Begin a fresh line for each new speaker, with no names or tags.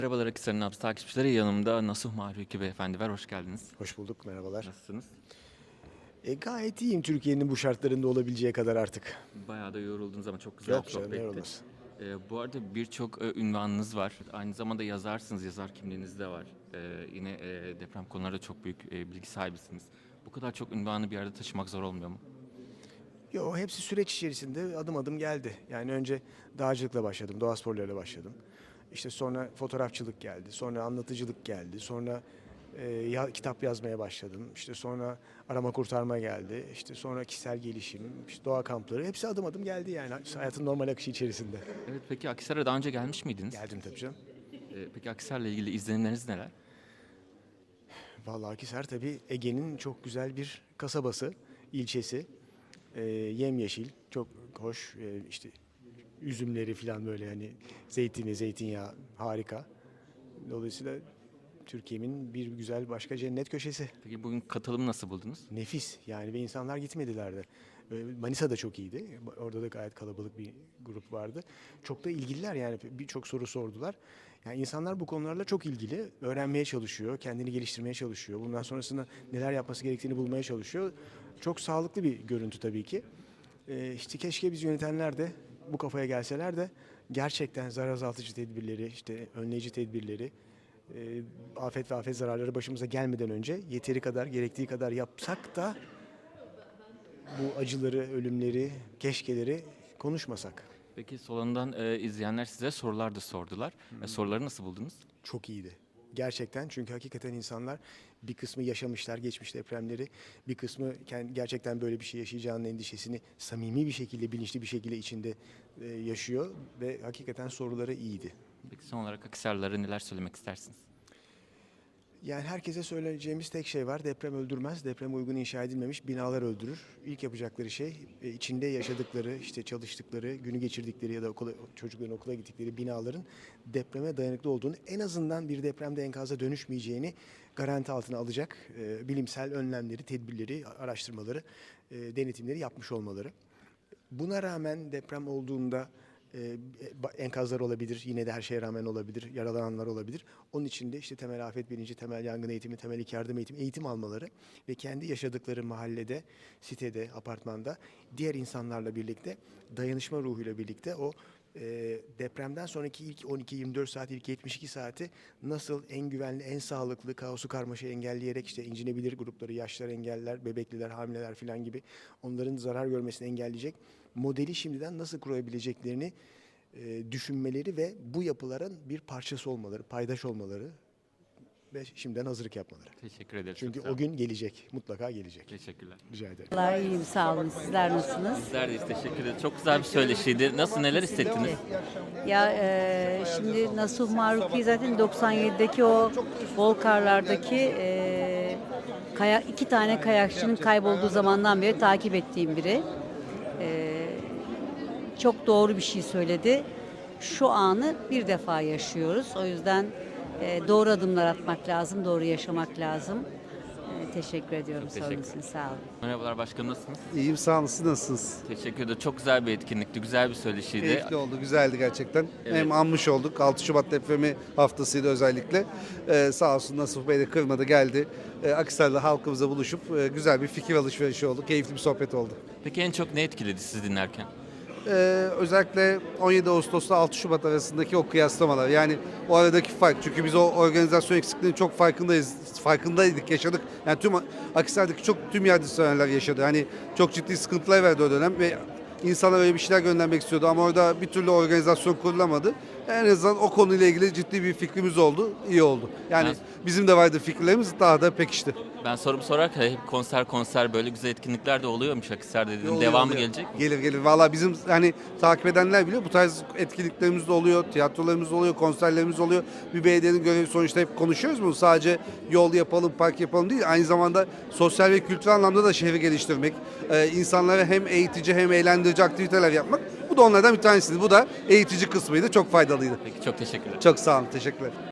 Merhabalar Akhisar'ın Nabzı takipçileri. Yanımda Nasuh Mahruki Beyefendi var. Hoş geldiniz.
Hoş bulduk, merhabalar.
Nasılsınız?
Gayet iyiyim Türkiye'nin bu şartlarında olabileceği kadar artık.
Bayağı da yoruldunuz ama çok güzel
Yok
bir
canım, ne
sohbetti.
olmaz.
Bu arada birçok ünvanınız var. Aynı zamanda yazarsınız, yazar kimliğiniz de var. Yine deprem konularında çok büyük bilgi sahibisiniz. Bu kadar çok ünvanı bir arada taşımak zor olmuyor mu?
Yo, hepsi süreç içerisinde adım adım geldi. Yani önce dağcılıkla başladım, doğa sporlarıyla başladım. İşte sonra fotoğrafçılık geldi, sonra anlatıcılık geldi, sonra kitap yazmaya başladım. İşte sonra arama kurtarma geldi, işte sonra kişisel gelişim, işte doğa kampları. Hepsi adım adım geldi yani hayatın normal akışı içerisinde.
Evet, peki Akhisar'a daha önce gelmiş miydiniz?
Geldim tabii canım.
Peki Akhisar'la ilgili izlenimleriniz neler?
Vallahi Akhisar tabii Ege'nin çok güzel bir kasabası, ilçesi. Yemyeşil, çok hoş. İşte üzümleri falan böyle hani zeytini, zeytinyağı harika. Dolayısıyla Türkiye'nin bir güzel başka cennet köşesi.
Peki bugün katılımı nasıl buldunuz?
Nefis yani ve insanlar gitmediler de. Manisa da çok iyiydi. Orada da gayet kalabalık bir grup vardı. Çok da ilgililer yani birçok soru sordular. Yani insanlar bu konularla çok ilgili. Öğrenmeye çalışıyor, kendini geliştirmeye çalışıyor. Bundan sonrasında neler yapması gerektiğini bulmaya çalışıyor. Çok sağlıklı bir görüntü tabii ki. İşte keşke biz yönetenler de bu kafaya gelseler de gerçekten zarar azaltıcı tedbirleri, işte önleyici tedbirleri, afet ve afet zararları başımıza gelmeden önce yeteri kadar, gerektiği kadar yapsak da bu acıları, ölümleri, keşkeleri konuşmasak.
Peki salondan izleyenler size sorular da sordular. Soruları nasıl buldunuz?
Çok iyiydi. Gerçekten çünkü hakikaten insanlar bir kısmı yaşamışlar geçmiş depremleri, bir kısmı gerçekten böyle bir şey yaşayacağının endişesini samimi bir şekilde, bilinçli bir şekilde içinde yaşıyor ve hakikaten soruları iyiydi.
Peki son olarak Akhisarlılara neler söylemek istersiniz?
Yani herkese söyleyeceğimiz tek şey var. Deprem öldürmez. Depreme uygun inşa edilmemiş binalar öldürür. İlk yapacakları şey içinde yaşadıkları, işte çalıştıkları, günü geçirdikleri ya da çocukların okula gittikleri binaların depreme dayanıklı olduğunu, en azından bir depremde enkaza dönüşmeyeceğini garanti altına alacak bilimsel önlemleri, tedbirleri, araştırmaları, denetimleri yapmış olmaları. Buna rağmen deprem olduğunda enkazlar olabilir, yine de her şeye rağmen olabilir, yaralananlar olabilir. Onun için de işte temel afet bilinci, temel yangın eğitimi, temel ilk yardım eğitim almaları ve kendi yaşadıkları mahallede, sitede, apartmanda diğer insanlarla birlikte, dayanışma ruhuyla birlikte o depremden sonraki ilk 12-24 saat, ilk 72 saati nasıl en güvenli, en sağlıklı, kaosu karmaşayı engelleyerek işte incinebilir grupları, yaşlılar, engelliler, bebekliler, hamileler falan gibi onların zarar görmesini engelleyecek modeli şimdiden nasıl kurabileceklerini düşünmeleri ve bu yapıların bir parçası olmaları, paydaş olmaları ve şimdiden hazırlık yapmaları.
Teşekkür ederiz.
Çünkü
Çok sağ
o
olun.
gün gelecek, mutlaka gelecek.
Teşekkürler.
Rica ederim.
Vallahi iyiyim, sağ olun. Sizler nasılsınız?
Bizler de teşekkür ederiz. Çok güzel bir söyleşiydi. Nasıl, neler hissettiniz?
Ya şimdi Nasuh Maruki zaten 97'deki o Volkarlardaki iki tane kayakçının kaybolduğu zamandan beri takip ettiğim biri. Çok doğru bir şey söyledi. Şu anı bir defa yaşıyoruz. O yüzden doğru adımlar atmak lazım, doğru yaşamak lazım. Teşekkür ediyorum
Çok teşekkür
sorunuz için. Sağ olun.
Merhabalar başkanım, nasılsınız?
İyiyim sağ olun, siz nasılsınız?
Teşekkür ederim. Çok güzel bir etkinlikti. Güzel bir söyleşiydi.
Keyifli oldu, güzeldi gerçekten.
Evet.
Hem anmış olduk, 6 Şubat depremi haftasıydı özellikle. Sağ olsun Nasuh Bey de kırmadı geldi. Akhisar'la halkımıza buluşup güzel bir fikir alışverişi oldu. Keyifli bir sohbet oldu.
Peki en çok ne etkiledi sizi dinlerken?
Özellikle 17 Ağustos'ta 6 Şubat arasındaki o kıyaslamalar. Yani o aradaki fark. Çünkü biz o organizasyon eksikliğinin çok farkındaydık, yaşadık. Yani Akhisar'daki tüm yardımseverler yaşadı. Hani çok ciddi sıkıntılar verdi o dönem ve insanlar öyle bir şeyler göndermek istiyordu ama orada bir türlü organizasyon kurulamadı. En azından o konuyla ilgili ciddi bir fikrimiz oldu, iyi oldu. Yani bizim de vardı fikirlerimiz, daha da pekişti.
Ben sorumu sorarken hep konser böyle güzel etkinlikler de oluyormuş Akhisar'da dedim.
Oluyor,
Devamı
oluyor.
gelecek mi?
Gelir. Valla bizim hani takip edenler biliyor. Bu tarz etkinliklerimiz de oluyor, tiyatrolarımız oluyor, konserlerimiz oluyor. Bir belediyenin görevi sonuçta hep konuşuyoruz bunu. Sadece yol yapalım, park yapalım değil. Aynı zamanda sosyal ve kültürel anlamda da şehri geliştirmek. İnsanlara hem eğitici hem eğlendirici aktiviteler yapmak. Bu da onlardan bir tanesiydi. Bu da eğitici kısmıydı. Çok faydalıydı.
Peki çok teşekkürler.
Çok sağ olun. Teşekkürler.